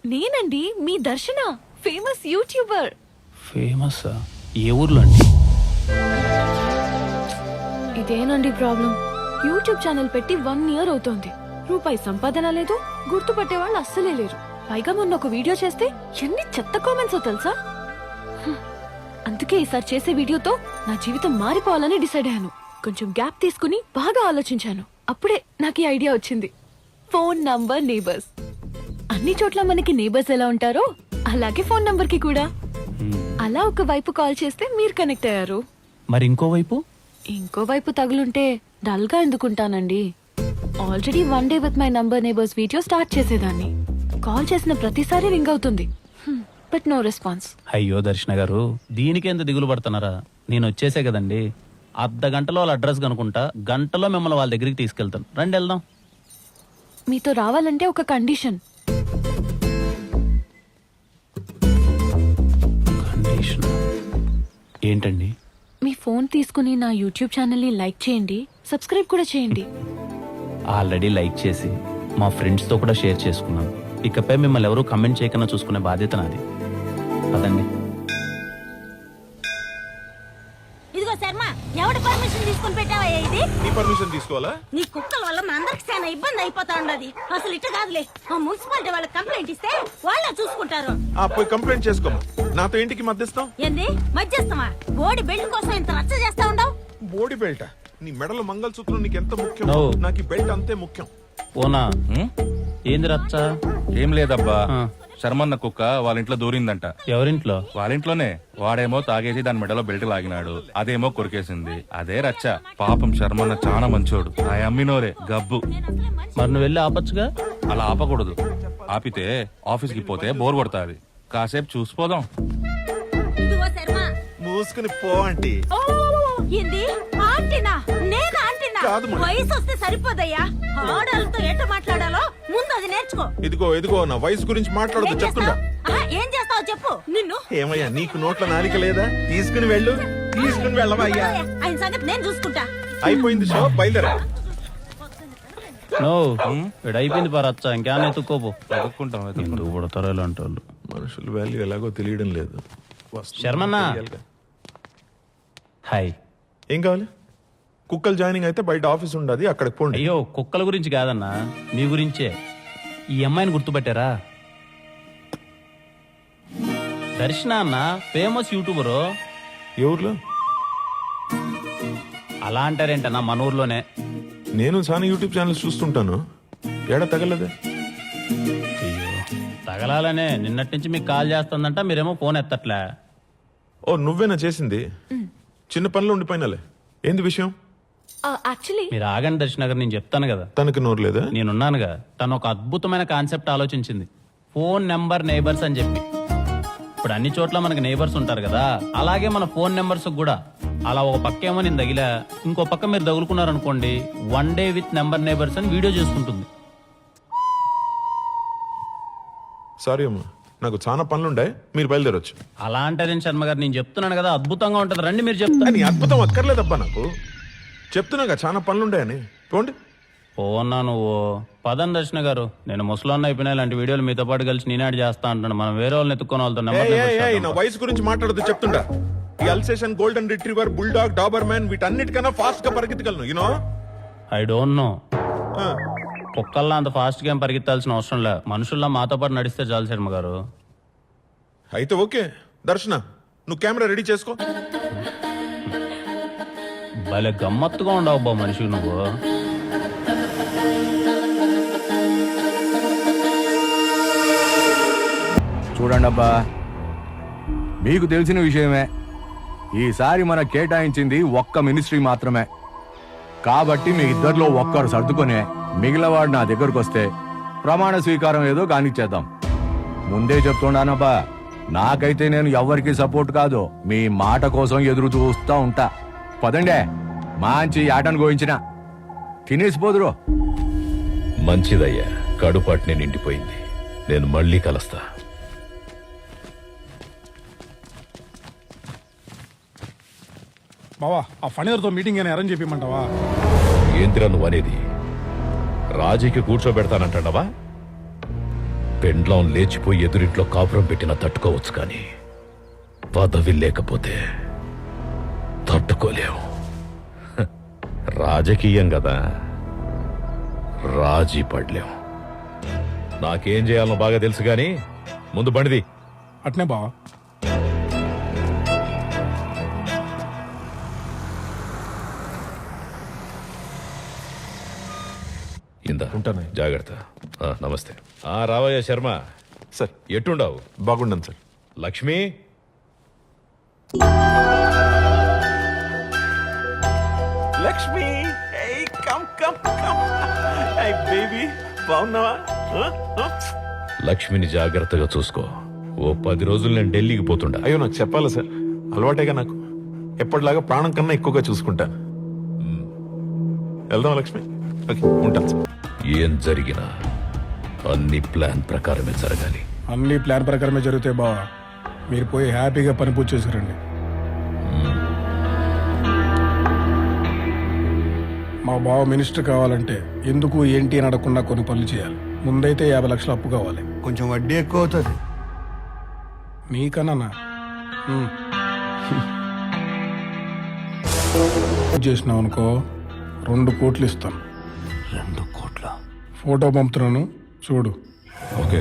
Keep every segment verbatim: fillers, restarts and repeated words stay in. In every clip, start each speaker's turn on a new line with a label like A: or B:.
A: నేనండి మీ దర్శన, famous YouTuber.
B: Famous ఏ ఊర్లో అండి?
A: ఇదేనండి ప్రాబ్లం. యూట్యూబ్ ఛానల్ పెట్టి వన్ ఇయర్ అవుతోంది. రూపాయి సంపాదన లేదు, గుర్తుపట్టే వాళ్ళు అస్సలే లేరు. పైగా మొన్న ఒక వీడియో చేస్తే ఎన్ని చెత్త కామెంట్స్ తెలుసా. హ్మ్. అందుకే ఈసారి చేసే వీడియోతో నా జీవితం మారిపోవాలని డిసైడ్ అయ్యాను. కొంచెం గ్యాప్ తీసుకుని బాగా ఆలోచించాను. అప్పుడే నాకు ఈ ఐడియా వచ్చింది. Phone number neighbours. అన్ని చోట్ల మనకి నేబర్స్ ఎలా ఉంటారో అలాగే ఫోన్ నంబర్ కి కూడా. అలా ఒక వైపు కాల్ చేస్తే మీరు కనెక్ట్ అయ్యారు.
B: మరి ఇంకోవైపు
A: ఇంకోవైపు తగులుంటే డల్ గా ఎందుకుంటానండి. Already one day with my number neighbours video start చేసేదాన్ని. కాల్ చేసిన ప్రతిసారి రింగ్ అవుతుంది, బట్ నో రెస్పాన్స్.
B: అయ్యో దర్శన గారు, దీనికి ఎంత దిగులు పడుతున్నారా? నేను వచ్చేసే కదండి. అర్ధ గంటలో వాళ్ళ అడ్రస్ కనుకుంటా, గంటలో మిమ్మల్ని వాళ్ళ దగ్గరికి తీసుకెళ్తాను. రండి వెళ్దాం.
A: మీతో రావాలంటే ఒక కండిషన్.
B: కండిషన్ ఏంటండి?
A: మీ ఫోన్ తీసుకుని నా యూట్యూబ్ ఛానల్ ని లైక్ చేయండి, సబ్స్క్రైబ్ కూడా చేయండి.
B: ఆల్రెడీ లైక్ చేసి మా ఫ్రెండ్స్ తో కూడా షేర్ చేసుకున్నాను. ఇకపై మిమ్మల్ని ఎవరూ కమెంట్ చేయకుండా చూసుకునే బాధ్యత నాది. పదండి.
C: ఇదిగో శర్మ, ఎవడి పర్మిషన్ తీసుకుని పెట్టావయ్యా ఇది?
D: నీ పర్మిషన్ తీసుకోవాలా?
C: నీ కుక్కల వల్ల మా అందరికి చాలా ఇబ్బంది అయిపోతా ఉండదు. అసలు ఇట్ట కాదులే, ఆ మున్సిపాలిటీ వాళ్ళకి కంప్లైంట్ ఇస్తే వాళ్ళే చూసుకుంటారు.
D: ఆ పోయి కంప్లైంట్ చేసుకోము. నాతో ఇంటికి మధ్యస్థం
C: ఏంది మధ్యస్థమా? బోడి బెల్ట్ కోసం ఇంత రచ్చ చేస్తా ఉండవు.
D: బోడి బెల్ట్? నీ మెడలో మంగళసూత్రం నీకు ఎంత ముఖ్యం,
B: No.
D: నాకు ఈ బెల్ట్ అంతే ముఖ్యం.
B: ఓనా ఏంది రచ్చ?
E: ఏం లేదబ్బా,
B: ఆ.
E: శర్మన్న కుక్క వాళ్ళ ఇంట్లో దూరిందంట.
B: ఎవరింట్లో?
E: వాళ్ళ ఇంట్లోనే. వాడేమో తాగేసి దాని మెడలో బెల్ట్ లాగినాడు, అదేమో కొరికేసింది. అదే రచ్చ. పాపం శర్మన్న చాలా మంచోడు. ఆ అమ్మినోరే గబ్బు.
B: మరి నువ్వు వెళ్ళి ఆపచ్చుగా.
E: అలా ఆపకూడదు. ఆపితే ఆఫీస్ కి పోతే బోర్ కొడతాది. కాసేపు చూసిపోదాం.
C: ఇదిగో శర్మ,
D: మూసుకుని పో ఆంటీ.
C: ఓ ఏంది ఆంటీనా? నేను ఆంటీనా?
D: కాదు మరి.
C: వయసు వస్తే సరిపోదయ్యా. ఆడాలతో ఎట్ట మాట్లాడాలో ముందు అది నేర్చుకో.
D: ఇదిగో ఇదిగో నా వయసు గురించి మాట్లాడదు
C: ఏం
D: చెప్తుండా.
C: చేస్తావ్? ఆహా, ఏం చేస్తావు చెప్పు. నిన్ను
D: ఏమయ్యా నీకు నోట్ల నాలిక లేదా? తీసుకుని వెళ్ళు, తీసుకుని వెళ్ళవయ్యా.
C: ఆయన సంగతి నేను చూసుకుంటా.
D: అయిపోయింది షో, బయలుదేరా.
B: నో ఇక్కడ అయిపోయింది పా రచ్చ. ఇంకేమైనా ఎత్తుక్కోపో.
E: వెతుక్కుంటాం వెతుక్కుంటాం.
B: ఎందుకు పడతారో ఇలాంటి వాళ్ళు.
D: మనుషుల వాల్యూ ఎలాగో తెలియడం లేదు. వస్తుంది,
B: శర్మన్న.
D: తెలియాలిగా.
B: హాయ్.
D: ఏం కావాలి? కుక్కలు జాయినింగ్ అయితే బయట ఆఫీస్ ఉండదు, అక్కడికి పోండి.
B: అయ్యో కుక్కల గురించి కాదన్నా, మీ గురించే. ఈ అమ్మాయిని గుర్తుపట్టారా? దర్శన అన్న, ఫేమస్ యూట్యూబరు.
D: ఏ ఊర్లో?
B: అలా అంటారేంటన్నా, మన ఊర్లోనే.
D: నేను చాలా యూట్యూబ్ ఛానల్స్ చూస్తుంటాను. ఏడా తగలదే?
B: అయ్యో తగలాలనే నిన్నటి నుంచి మీకు కాల్ చేస్తుందంట, మీరేమో ఫోన్ ఎత్తట్లే.
D: ఓ నువ్వేనా చేసింది? చిన్న పనిలో ఉండిపోయినాలే. ఏంది విషయం?
A: యాక్చువల్లీ
B: మీరు ఆగండి దర్శన గారు, నేను చెప్తాను కదా.
D: తనకి నోరు లేదా?
B: నేనున్నానుగా. తను ఒక అద్భుతమైన కాన్సెప్ట్ ఆలోచించింది, ఫోన్ నెంబర్ నేబర్స్ అని చెప్పి. ఇప్పుడు అన్ని చోట్ల మనకి నేబర్స్ ఉంటారు కదా, అలాగే మన ఫోన్ నెంబర్స్ కూడా. అలా ఒక పక్క ఏమో నేను తగిలా, ఇంకో పక్క మీరు తగులుకున్నారనుకోండి, one day with number neighbours అని వీడియో చేసుకుంటుంది.
D: సారీ అమ్మా, నాకు చాలా పనులుండే, మీరు బయలుదేరొచ్చు.
B: అలా అంటారేం శర్మ గారు, నేను చెప్తున్నాను కదా అద్భుతంగా ఉంటది. రండి మీరు చెప్తాను.
D: నీ అద్భుతం అక్కర్లేదబ్బా నాకు. చెప్తున్నాగా చాలా పనులుండాయని. పోండి.
B: పోన్నా నువ్వు. పదం దర్శన గారు, నేను ముసలాన్న అయిపోయినా ఇలాంటి వీడియోలు మీతో పాటు కలిసి నేనాడు చేస్తా అంటాను. మనం వేరే వాళ్ళని ఎత్తుకొని వాళ్ళతో నెంబర్
D: ఏయ్,
B: నెంబర్
D: ఏయ్, ఏయ్, నా
B: చేద్దాం.
D: వయసు గురించి మాట్లాడదు చెప్తుండా. ఈ Alsatian, golden retriever, bulldog, Doberman వీటన్నిటికన్నా ఫాస్ట్ గా పరిగెత్తగలను. You know
B: I don't know. కుక్కల్లా అంత ఫాస్ట్ గా ఏం పరిగెత్తాల్సిన అవసరం లే. మనుషుల్లా మాతో పాటు నడిస్తే చాలు శర్మ గారు.
D: అయితే ఓకే. దర్శన, నువ్వు కెమెరా రెడీ చేసుకో.
B: భలే గమ్మత్తుగా ఉండవు బా మనిషి నువ్వు.
F: చూడండి అబ్బా, మీకు తెలిసిన విషయమే. ఈసారి మన కేటాయించింది ఒక్క మినిస్ట్రీ మాత్రమే. కాబట్టి మీ ఇద్దరిలో ఒక్కరు సర్దుకొని మిగిలినవాడు నా దగ్గరకు వస్తే ప్రమాణ స్వీకారం ఏదో కానిచ్చేద్దాం. ముందే చెప్తున్నానబ్బా, నాకైతే నేను ఎవ్వరికి సపోర్ట్ కాదు. మీ మాట కోసం ఎదురు చూస్తా ఉంటా. పదండే, మంచి ఆటను గోయించిన తినేసిపోదురు.
G: మంచిదయ్యా, కడుపాటిని నిండిపోయింది. నేను మళ్ళీ కలుస్తా.
H: బావా, ఆ ఫణిధర్తో మీటింగ్ అని అరేంజ్ చెప్పమంటావా?
G: ఏంటిరా నువ్వు అనేది? రాజీకి కూర్చోబెడతానంటావా? పెండ్లం లేచిపోయి ఎదురింట్లో కాపురం పెట్టినా తట్టుకోవచ్చు కానీ పదవి లేకపోతే తట్టుకోలేవు. హ, రాజకీయం కదా, రాజీ పడలేం. నాకేం చేయాలనో బాగా తెలుసు గాని ముందు బండిది.
H: అట్నే బావా.
G: ఇందా
D: ఉంటాను.
G: జాగ్రత్త. ఆ, నమస్తే. ఆ రావయ్య శర్మ,
D: సార్
G: ఎట్టుండావు?
D: బాగుండను sir.
G: Lakshmi,
D: Lakshmi come come come baby బాగున్నావా?
G: లక్ష్మిని జాగ్రత్తగా చూసుకో. ఓ పది రోజులు నేను ఢిల్లీకి పోతుండా.
D: అయ్యో నాకు చెప్పాలి సార్, అలవాటేగా నాకు. ఎప్పటిలాగా ప్రాణం కన్నా ఎక్కువగా చూసుకుంటాను. వెళ్దాం లక్ష్మి. ఓకే ఉంటాను సార్.
G: ఏం జరిగినా అన్ని ప్లాన్ ప్రకారమే జరగాలి.
H: అన్ని ప్లాన్ ప్రకారమే జరుగుతాయి బావా. మీరు పోయి హ్యాపీగా పని పూర్తి చేసుకురండి. మా బావ మినిస్టర్ కావాలంటే ఎందుకు ఏంటి అని అడగకుండా కొన్ని పనులు చేయాలి. ముందైతే యాభై లక్షలు అప్పు కావాలి.
I: కొంచెం వడ్డీ ఎక్కువ అవుతుంది.
H: మీకన్నా చేసినావు అనుకో రెండు కోట్లు ఇస్తాను.
I: రెండు కోట్ల
H: ఫోటో పంపుతున్నాను చూడు.
G: ఓకే.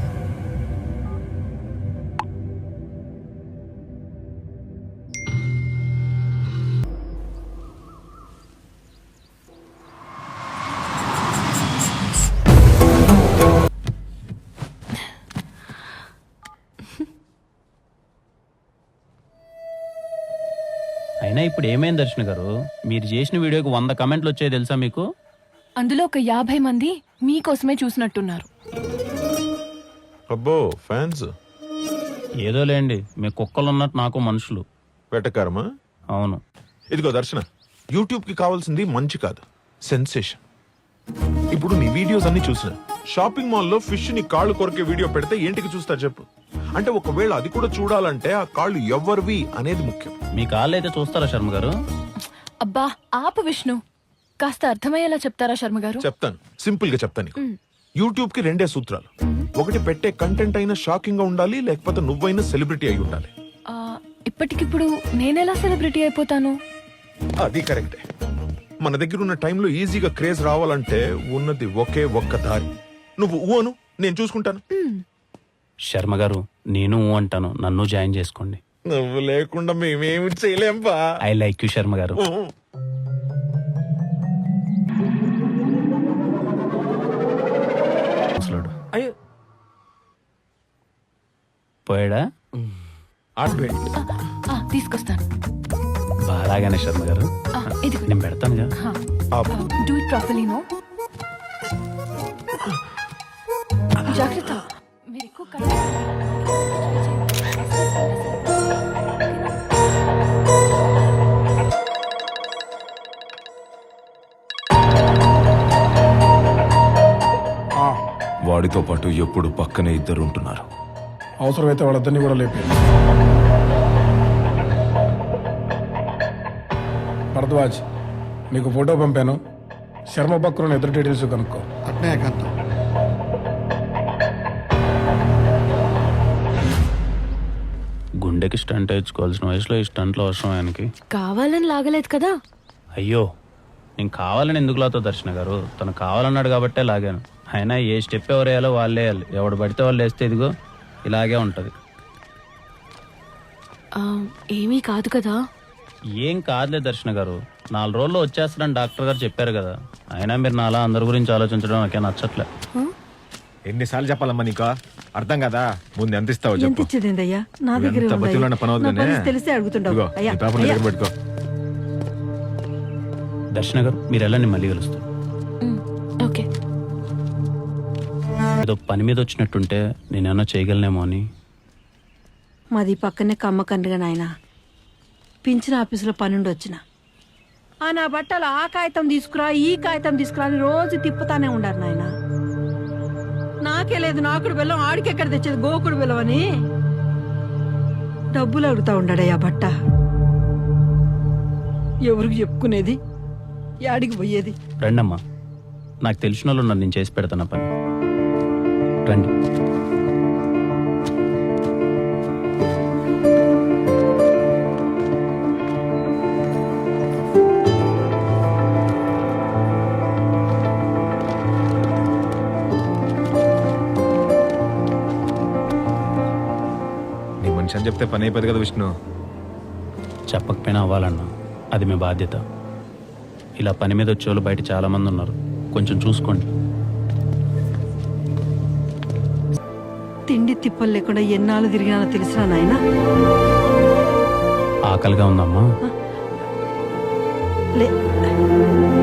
B: అయినా ఇప్పుడు ఏమైంది దర్శన గారు? మీరు చేసిన వీడియోకి వంద కమెంట్లు వచ్చాయి తెలుసా మీకు?
A: అందులో ఒక యాభై మంది మీకోసమే చూసినట్టున్నారు.
D: అబ్బో ఫ్యాన్స్.
B: ఏదో లేండి, మీ కుక్కలు ఉన్నట్టు నాకు మనుషులు.
D: వెటకారమా?
B: అవును.
D: ఇదిగో దర్శన, యూట్యూబ్ కి కావాల్సింది మంచి కాదు, సెన్సేషన్. ఇప్పుడు నీ వీడియోస్ అన్ని చూసిన షాపింగ్ మాల్ లో ఫిష్ ని కాళ్ళు కొరికే వీడియో పెడితే ఏంటికి చూస్తా చెప్పు? అంటే ఒకవేళ అది కూడా చూడాలంటే ఆ కాళ్ళు ఎవరివి అనేది ముఖ్యం.
B: మీ కాళ్ళు అయితే చూస్తారా శర్మ గారు?
A: అబ్బా ఆపు విష్ణు, కాస్త అర్థమయ్యేలా చెప్తారా శర్మ గారు?
D: చెప్తాను, సింపుల్ గా చెప్తాను నీకు. యూట్యూబ్ కి రెండే సూత్రాలు. ఒకటి, పెట్టే కంటెంట్ అయినా షాకింగ్ గా ఉండాలి, లేకపోతే నువ్వైనా సెలబ్రిటీ అయి ఉండాలి.
A: ఆ, ఇప్పటికిప్పుడు నేనెలా సెలబ్రిటీ అయిపోతాను?
D: అది కరెక్టే. మన దగ్గర ఉన్న టైంలో ఈజీగా క్రేజ్ రావాలంటే ఉన్నది ఒకే ఒక్క దారి. నువ్వు ఊ అను, నేను చూసుకుంటాను.
B: శర్మ గారు, నేను ఊ అంటాను, నన్ను జాయిన్ చేసుకోండి.
D: నువ్వు లేకుండా మేమేమి చేయలేం బా.
B: ఐ లైక్ యూ శర్మ గారు.
D: అయ్యో
B: పోయాడా?
A: ఆ, తీసుకొస్తాను.
B: బాగానే శర్మ గారు,
A: ఆ, ఇదిగో.
B: నేను పెడతానుగా.
A: Do it properly no. జాగ్రత్త, మీరు ఎక్కువ కళ్ళు-
H: ఆ,
J: వాడితో పాటు ఎప్పుడు పక్కనే ఇద్దరు ఉంటున్నారు.
H: అవసరమైతే వాళ్ళిద్దరిని కూడా లేపి. భరద్వాజ్, నీకు ఫోటో పంపాను. శర్మ పక్కన ఇద్దరు డీటెయిల్స్ కనుక్కో.
I: అట్నే ఏకాంతం.
B: గుండెకి స్టంట్ వేయించుకోవాల్సిన వయసులో ఈ స్టంట్లో అవసరం ఆయనకి.
A: కావాలని లాగలేదు కదా.
B: అయ్యో, నేను కావాలని ఎందుకు లాతో దర్శన గారు? తను కావాలన్నాడు కాబట్టే లాగాను. అయినా ఏ స్టెప్ ఎవరు వేయాలో వాళ్ళే వేయాలి. ఎవడు పడితే వాళ్ళు వేస్తే ఇదిగో ఇలాగే ఉంటది.
A: ఆ, ఏమీ కాదు కదా.
B: ఏం కాదులే దర్శన గారు, నాలుగు రోజుల్లో వచ్చేస్తాడని డాక్టర్ గారు చెప్పారు కదా. అయినా మీరు నాలా అందరి గురించి ఆలోచించడం నాకే నచ్చట్లే.
F: ఎన్నిసార్లు చెప్పాలమ్మా నీకు? అర్థం కదా. ముందు ఎంత ఇస్తావు
C: ఎంత
F: చెప్పు.
C: ఇచ్చేదేందయ్యా? నా దగ్గర
F: ఎంత బతిలో పని అవుతుందనే.
C: తెలిసి అడుగుతుండవు.
F: ఇదిగో, ఈ పేపర్ నీ దగ్గర పెట్టుకో.
B: దర్శన గారు, మీరు వెళ్ళండి, మళ్ళీ కలుస్తాం.
A: మ్, ఓకే.
B: ఏదో పని మీద వచ్చినట్టుంటే నేనేమన్నా చేయగలనేమో అని.
C: మాది పక్కనే కమ్మకండ్రిగా నాయన. పింఛన్ ఆఫీసులో పనుండి వచ్చిన ఆ నా బట్టలు ఆ కాగితం తీసుకురా, ఈ కాగితం తీసుకురా అని రోజు తిప్పుతానే ఉండారు నాయన. నాకే లేదు నాకుడు బెల్లం, ఆడికెక్కడ తెచ్చేది గోకుడు బెల్లం అని డబ్బులు అడుగుతా ఉండాడయ్యా బట్ట. ఎవరికి చెప్పుకునేది, యాడికి పోయేది?
B: రండమ్మా, నాకు తెలిసిన వాళ్ళు ఉన్నారు, నేను చేసి పెడతాను పని. రండి.
K: చెప్తే పని అయిపోతుంది కదా విష్ణు.
B: చెప్పకపోయినా అవ్వాలన్నా, అది మీ బాధ్యత. ఇలా పని మీద వచ్చేవాళ్ళు బయట చాలా మంది ఉన్నారు, కొంచెం చూసుకోండి.
C: తిండి తిప్పలు లేకుండా ఎన్నాళ్ళు తిరిగినానో తెలిసినా నాయనా.
B: ఆకలిగా ఉందమ్మా.
C: లే